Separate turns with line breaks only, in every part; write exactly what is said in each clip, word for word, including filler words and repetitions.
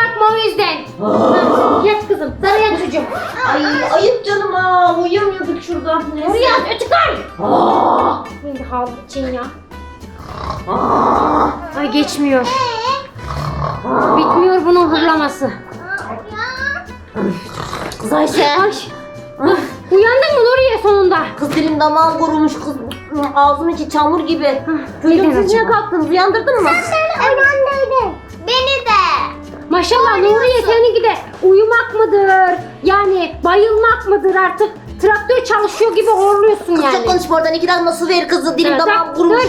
bakma o yüzden. Ha, yat kızım. Sana yat çocuğum.
Ay ayıp canım ha. Uyuyamıyorduk şurada. Neyse.
Oraya yat. Ötükar.
Aa,
Şimdi havlu için ya.
aa,
Ay geçmiyor. Bitmiyor bunun hırlaması.
Kız Ayşe.
Ay. Ah, uyandın mı Nuriye sonunda?
Kız dilim damağım kurumuş kız. Ağzım içi çamur gibi. Çocuğum
neden
siz niye
acaba?
kalktınız? Uyandırdın mı?
Uyandırdın. Beni de.
Maşallah Nuriye seninki de uyumak mıdır? Yani bayılmak mıdır artık? Traktör çalışıyor gibi horluyorsun
Kız
yani.
çok konuşma oradan. İki damla su ver kızı. Dilim
Evet,
damağım
dur,
kurumuş.
dur.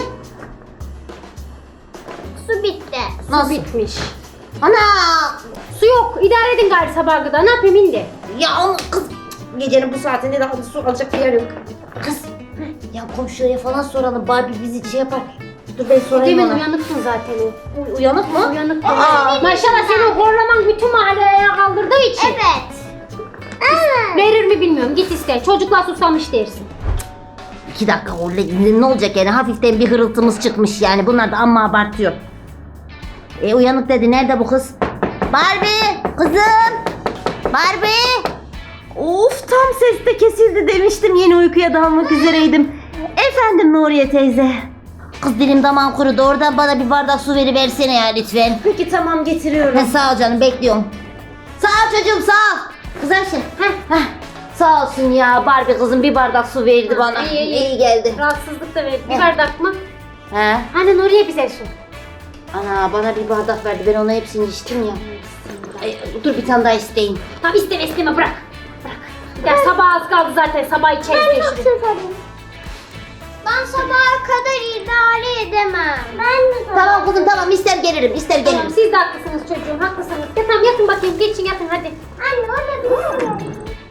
Su bitti.
Nasıl?
Bitmiş.
Ana!
Su yok. İdare edin gari sabaha kadar. Ne yapayım indi?
Ya ama kız gecenin bu saatinde daha su alacak bir yer yok. Kız ya komşulara falan soralım. Barbie bizi şey yapar. Dur ben sorayım
Demin
ona.
uyanıksın zaten o.
Uy- uyanık mı?
Uyanık.
Aa.
Maşallah senin horlaman bütün mahalleye kaldırdığı için.
Evet. Evet.
Verir mi bilmiyorum. Git iste. Çocuklar susamış dersin.
İki dakika orada ne olacak yani hafiften bir hırıltımız çıkmış yani bunlar da amma abartıyor. E uyanık dedi nerede bu kız? Barbie kızım. Barbie. Of tam ses de kesildi demiştim yeni uykuya dalmak üzereydim. Efendim Nuriye teyze. Kız dilim damağım kurudu oradan bana bir bardak su veriversene ya lütfen.
Peki tamam getiriyorum.
He, sağ ol canım bekliyorum. Sağ ol çocuğum sağ ol. Kız Ayşe. Heh, heh. Sağ olsun ya Barbie kızım bir bardak su verdi
Ha,
bana.
iyi, iyi.
İyi geldi.
Rahatsızlık da verdi. Bir
Heh.
bardak mı?
He.
Hani Nuriye bize su.
Ana bana bir bardak verdi ben ona hepsini içtim ya. Ay, dur bir tane daha isteyeyim.
Tamam isteme isteme bırak. Bırak. Ya sabah az kaldı zaten. Sabah içeriz geçti.
Ben sabaha kadar idare edemem. Ben de
Tamam kızım tamam ister gelirim ister
Tamam
gelirim.
siz de haklısınız çocuğum. Haklısınız. Ya tamam yatın bakayım. Geçin yatın hadi.
Anne orada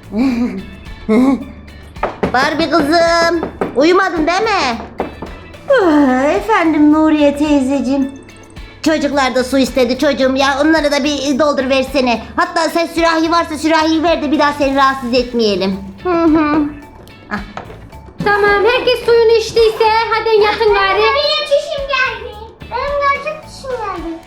bir
Barbie kızım uyumadın değil mi? Ah, Efendim Nuriye teyzeciğim. Çocuklar da su istedi çocuğum ya onları da bir doldur versene. Hatta sen sürahi varsa sürahiyi ver de bir daha seni rahatsız etmeyelim. Hı hı. Ah.
Tamam herkes suyunu içtiyse hadi yatın gari.
Benim çişim geldi. Benim gerçek çişim geldi.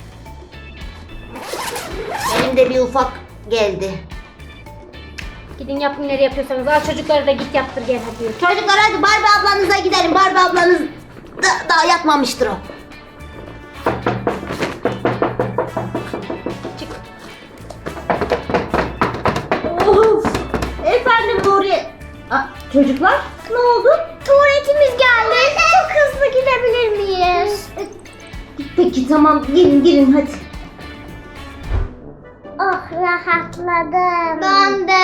Benim de bir ufak geldi.
Gidin yapın nereye yapıyorsanız. Al çocukları da git yaptır gel hadi.
Çocuklar hadi Barbie ablanıza gidelim. Barbie ablanız da, daha yatmamıştır o.
Çık.
Of. Efendim Nuriye. Aa, çocuklar ne oldu?
Tuvaletimiz geldi. Çok hızlı gidebilir miyiz?
Peki tamam girin girin hadi.
Oh rahatladım. Ben de.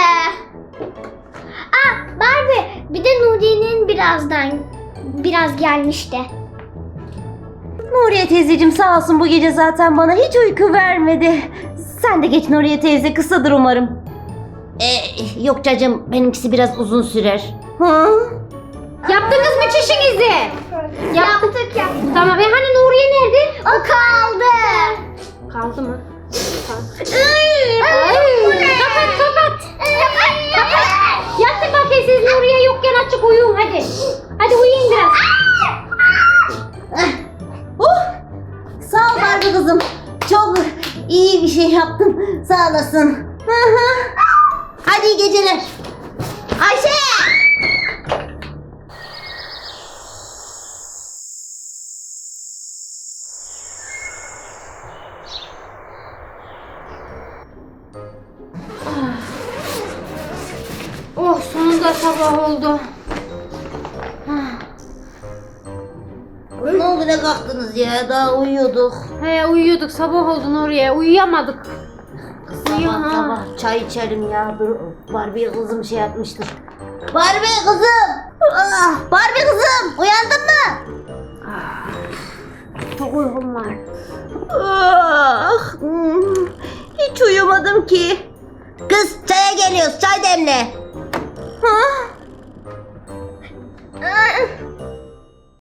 Ah Barbie bir de Nuriye'nin birazdan biraz gelmişti.
Nuriye teyzeciğim sağ olsun bu gece zaten bana hiç uyku vermedi. Sen de geç Nuriye teyze kısadır umarım. Ee, yok cacım benimkisi biraz uzun sürer. Hı?
Yaptınız mı çişinizi?
Yaptık yaptık.
Tamam. E hani Nuriye nerede?
O kaldı.
Kaldı mı? Tamam.
Ay,
Ay,
bu ne?
kapat kapat. Yatın bakayım siz Nuriye yokken açık uyuyun hadi. Hadi uyuyun biraz.
Oh, sağ ol Barbie kızım. Çok iyi bir şey yaptın. Sağ olasın. Hı hı. Hadi iyi geceler. Ayşe!
Oh sonunda sabah oldu.
Ne oldu ne kalktınız ya? Daha uyuyorduk.
He uyuyorduk sabah oldu Nuriye. Uyuyamadık. Uyuyor
Sabah
ha.
sabah çay içerim ya. Dur Barbie kızım şey yapmıştır. Barbie kızım! Ah, Barbie kızım! Uyandın mı?
Çok uykum var.
Ah, hmm, hiç uyumadım ki. Kız çaya geliyoruz. Çay demle. Ha?